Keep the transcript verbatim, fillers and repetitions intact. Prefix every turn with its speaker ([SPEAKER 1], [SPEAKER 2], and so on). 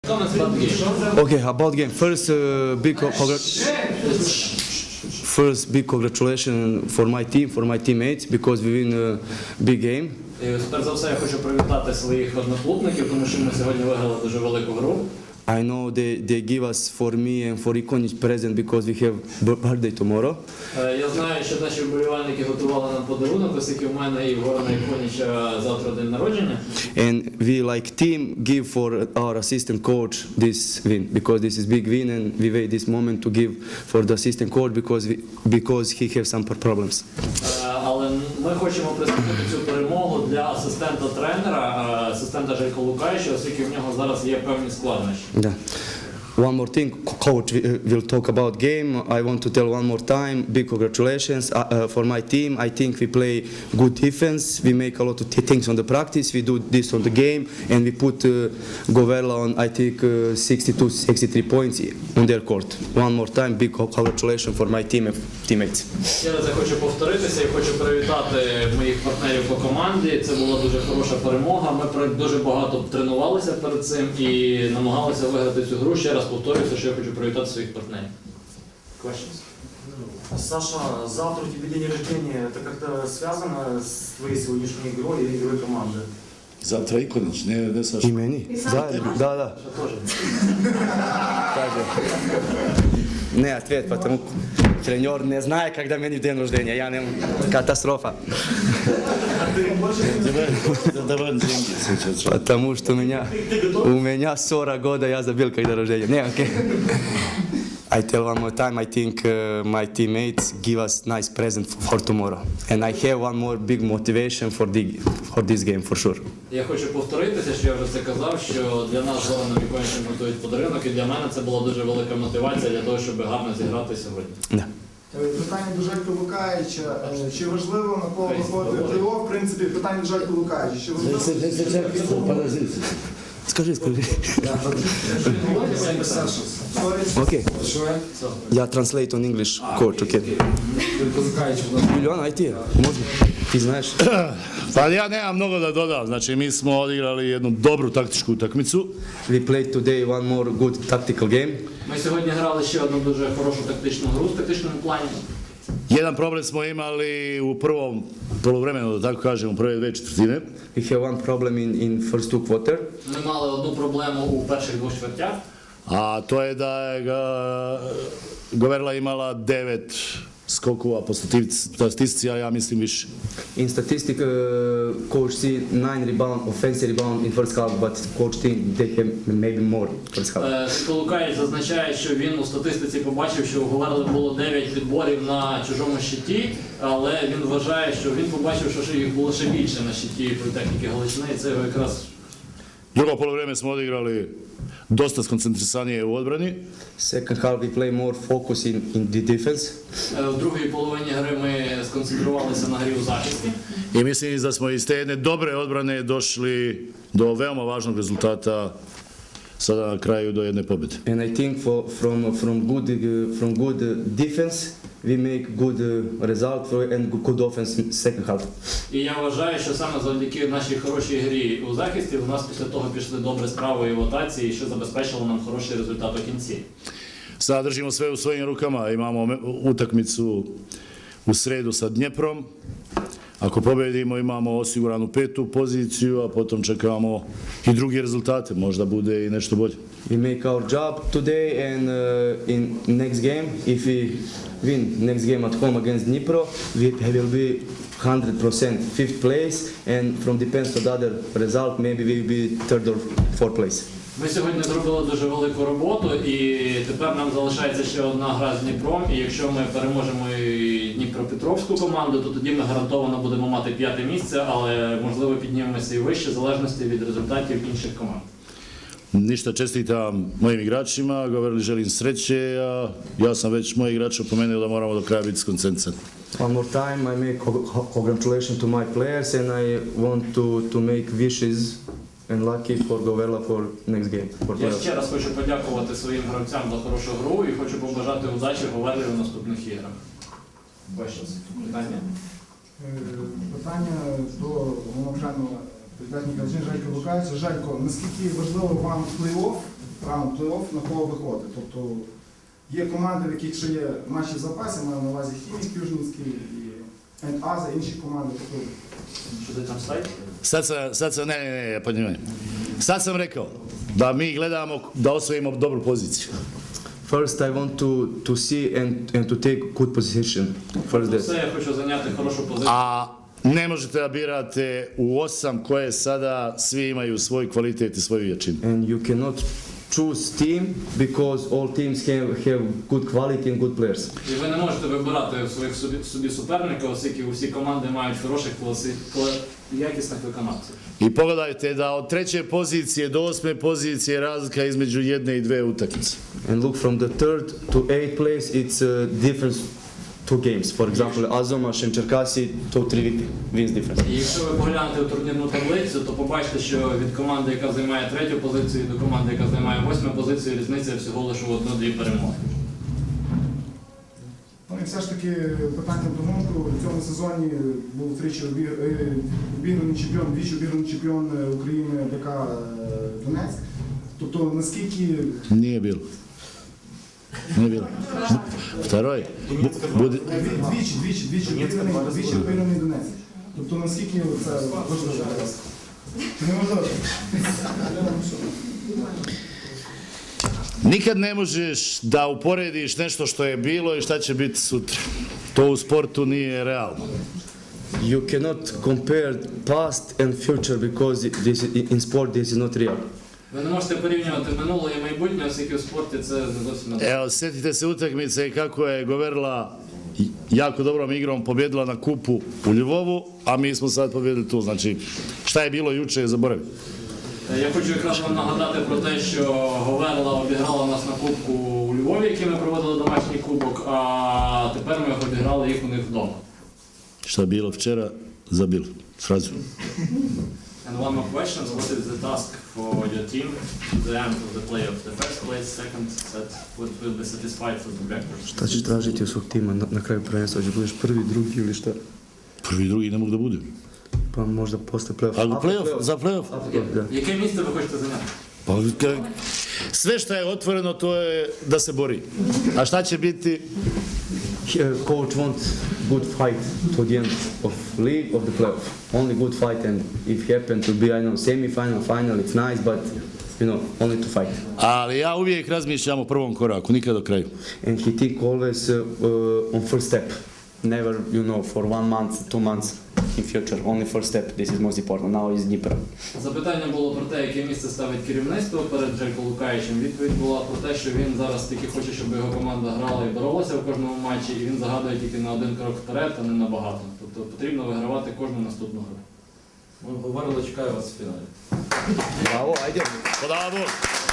[SPEAKER 1] Comments about the game.
[SPEAKER 2] Okay, about game. First, uh, big congra- first big congratulations for my team, for my teammates, because we win a big game.
[SPEAKER 1] І перш за все я хочу привітати своїх одноклубників, тому що ми сьогодні виграли дуже велику гру.
[SPEAKER 2] I know they, they give us for me and for Ikonic present because we have birthday tomorrow.
[SPEAKER 1] Е, Я знаю, що наші вболівальники готували нам подарунок, оскільки в мене і в Горана Іконіча завтра день народження.
[SPEAKER 2] And we like team give for our assistant coach this win because this is big win and we wait this moment to give for the assistant coach because we, because he have some problems.
[SPEAKER 1] Е, Але ми хочемо присвятити цю перемогу для асистента тренера, е, асистента Желько Лукаєвича, оскільки в нього зараз є певні складнощі.
[SPEAKER 2] Yeah. One more thing, coach will talk about game. I want to tell one more time, big congratulations uh, uh, for my team. I think we play good defense. We make a lot of things on the practice. We do this on the game, and we put uh, Govella on, I think, uh, sixty-two, sixty-three points on their court. One more time, big congratulations for my team and teammates.
[SPEAKER 1] Ще раз я хочу повторитися і хочу привітати моїх партнерів по команді. Це була дуже хороша перемога. Ми дуже багато тренувалися перед цим і намагалися виграти цю гру. Ще раз повторюся, що я хочу привітати своїх партнерів. Questions?
[SPEAKER 3] Саша, завтра у тебя день рождения. Это как-то связано с твоей сегодняшней игрой или игрой команды?
[SPEAKER 4] Завтра Иконич, не, не Саша.
[SPEAKER 2] И мені? Да, да, да. Каже. Не ответ, потому тренер не знает, когда мені день рождения. Я не... Катастрофа.
[SPEAKER 4] Давай деньги сейчас.
[SPEAKER 2] Потому что у меня, у меня сорок года, я забил, когда рождения. Не, окей. I tell one more time, I think uh, my teammates give us nice present for tomorrow. And I have one more big motivation for, the, for this game, for sure.
[SPEAKER 1] Я хочу повторитися, що я вже це казав, що для нас з Гоraном Іконічем готують подарунок, і для мене це була дуже велика мотивація для того, щоб гарно зіграти сьогодні.
[SPEAKER 2] Да.
[SPEAKER 5] Питання до Желька Лукаєвича. Чи важливо на кого виходить плей-офф? В принципі, питання до Желька Лукаєвича. Чи важливо?
[SPEAKER 4] Подожди.
[SPEAKER 2] Скажи, скажи. Окей. Я translate on English, coach, окей. Юлиан, ajte, можно? Ti znaš?
[SPEAKER 4] Pa ja nemam mnogo da dodam, znači mi smo odigrali jednu dobru taktičku utakmicu.
[SPEAKER 2] We played today one more good tactical game.
[SPEAKER 1] Ми сьогодні грали ще одну дуже хорошу тактичну гру в тактичному плані.
[SPEAKER 4] Jedan problem smo imali u prvom poluvremenu, da tako kažem, u prve dve četvrtine.
[SPEAKER 2] We have one problem in, in first two quarter.
[SPEAKER 1] Ми мали одну проблему у перших двох чвертях.
[SPEAKER 4] A to je da je ga Goverla imala devet skokova po statistici, a ja mislim više.
[SPEAKER 2] In statistic, uh, coach see nine rebound, offensive rebound in first half, but coach think they have maybe more first half.
[SPEAKER 1] Желько Лукаєвич зазначає, що він у статистиці побачив, що у Говерли було дев'ять відборів на чужому щиті, але він вважає, що він побачив, що їх було ще більше на щиті політехніки Галичини, і це його якраз...
[SPEAKER 4] Drugo poluvreme smo odigrali dosta skoncentrisanije u odbrani.
[SPEAKER 2] Second half we play more focus in, in the defense.
[SPEAKER 1] У другій половині гри ми сконцентрувалися на грі у захисті.
[SPEAKER 4] I mislim da smo iz te jedne dobre odbrane došli do veoma važnog rezultata sada na kraju do jedne pobjede.
[SPEAKER 2] And I think for, from, from good, uh, from good uh, defense we make good uh, result for, and good offense in second half.
[SPEAKER 1] І я вважаю, що саме завдяки нашій хорошій грі у захисті у нас після того пішли добре справи і в атаці, що забезпечило нам хороший результат у кінці.
[SPEAKER 4] Sada držimo sve u svojim rukama, imamo utakmicu u sredu sa Dnjeprom. Ako pobedimo imamo osiguranu petu poziciju, a potom čekamo i druge rezultate, možda bude i nešto bolje.
[SPEAKER 2] We make our job today and uh, in next game, if we win next game at home against Dnipro, we will be one hundred percent fifth place, and from depends on the other result, maybe we will be third or fourth place.
[SPEAKER 1] Ми сьогодні зробили дуже велику роботу, і тепер нам залишається ще одна гра з Дніпром, і якщо ми переможемо і Дніпропетровську команду, то тоді ми гарантовано будемо мати п'яте місце, але можливо піднімемося і вище, в залежності від результатів інших команд.
[SPEAKER 4] Ništa, čestitam mojim igračima, Goverli želim sreće, a ja sam već moje igrače opomenuo da moramo do kraja biti skoncentrirani.
[SPEAKER 2] One more time, I make congratulations to my players and I want to, to make wishes and lucky for Govella for next game. For
[SPEAKER 1] Я ще раз хочу подякувати своїм гравцям за хорошу гру і хочу побажати удачі Говерлі у наступних іграх. Питання?
[SPEAKER 5] Питання до головного політехніка Желька Лукаєвича. Желько, наскільки важливо вам плей-офф раунд плей-офф, на кого виходить. Тобто є команди, в яких ще є матчі в запасі, маю на увазі Хімік, Южнінський і Ент-Аза, інші команди. Тобто,
[SPEAKER 1] Що ти там сайт?
[SPEAKER 4] Sad sam, sad sam, ne, ne, ne, pa ne, sad sam rekao da mi gledamo da osvojimo dobru poziciju.
[SPEAKER 2] First, I want to, to see and, and to take good position. First,
[SPEAKER 1] Все,
[SPEAKER 2] that.
[SPEAKER 1] я хочу зайняти хорошу позицію.
[SPEAKER 4] A ne možete da birate u osam koje sada svi imaju svoj kvalitet i svoju jačinu.
[SPEAKER 2] And you cannot choose team because all teams have, have good quality and good players.
[SPEAKER 1] І ви не можете вибирати своїх собі, собі суперників, оскільки усі команди мають хороших, класи, кла- якісних виконавців.
[SPEAKER 4] I pogledajte da od treće pozicije do osme pozicije je razlika između jedne i dve utakmice.
[SPEAKER 2] And look, from the third to eighth place, it's a difference two games. For example, Azomash and Cherkasy, two three wins difference.
[SPEAKER 1] І якщо ви поглянете у турнірну таблицю, то побачите, що від команди, яка займає третю позицію, до команди, яка займає восьму позицію, різниця всього лише в одну-дві перемоги.
[SPEAKER 5] ну і все ж таки питання до Монку. В цьому сезоні був тричі обі- е, обіграний чемпіон, двічі обіграний чемпіон е, України БК е, Донецьк. Тобто наскільки
[SPEAKER 4] Nije bilo. Nije bilo. Второй. Bude,
[SPEAKER 5] Е, дві- Двічі, двічі, двічі обіграний, двічі обіграний Донецьк. Тобто наскільки це важливо для вас? Неможливо.
[SPEAKER 4] nikad ne možeš da uporediš nešto što je bilo i šta će biti sutra. To u sportu nije realno.
[SPEAKER 2] You cannot compare past and future because this in sport this is not real.
[SPEAKER 1] Ви не можете порівнювати минуле і майбутнє, оскільки в спорті це не зовсім не.
[SPEAKER 4] Evo, sjetite se utakmice kako je Goverla jako dobrom igrom pobjedila na kupu u Ljubovu, a mi smo sad pobjedili tu. Znači, šta je bilo juče, zaboravi.
[SPEAKER 1] Я хочу якраз вам нагадати про те, що Говерла обіграла нас на кубку у Львові, який ми проводили домашній кубок, а тепер ми обіграли їх у них вдома.
[SPEAKER 4] Šta je bilo včera, zabili. Srazu.
[SPEAKER 1] And one more question, what is the task for your team at the end of the playoffs? The first place, second set, what will be satisfied for the record?
[SPEAKER 2] Šta ćeš tražiti od svog tima na, na kraju prvenstva? Hoće budeš prvi, drugi ili šta?
[SPEAKER 4] Prvi i drugi ne mogu da budem.
[SPEAKER 2] Pa možda posle play-off.
[SPEAKER 4] Ali
[SPEAKER 2] After
[SPEAKER 4] playoff, za playoff.
[SPEAKER 2] After, da.
[SPEAKER 1] Яке місце ви хочете зайняти?
[SPEAKER 4] Pa, ka- sve što je otvoreno, to je da se bori. A šta će biti?
[SPEAKER 2] Here, coach wants good fight to the end of league of the playoff. Only good fight, and if happen to be, I know, semi-final, final, it's nice, but you know, only to fight.
[SPEAKER 4] Ali ja uvijek razmišljam o prvom koraku, nikad do kraju.
[SPEAKER 2] And he think always uh, uh, on first step. Never, you know, for one month, two months in future. Only first step. This is most important. Now is Dnipro.
[SPEAKER 1] Запитання було про те, яке місце ставить керівництво перед Джелько Лукаєчем. Відповідь була про те, що він зараз тільки хоче, щоб його команда грала і боролася в кожному матчі, і він загадує тільки на один крок вперед, а не на багато. Тобто потрібно вигравати кожну наступну гру. Ми говорили, чекаю вас в фіналі.
[SPEAKER 2] Bravo, ajde.
[SPEAKER 4] Hvala Bog.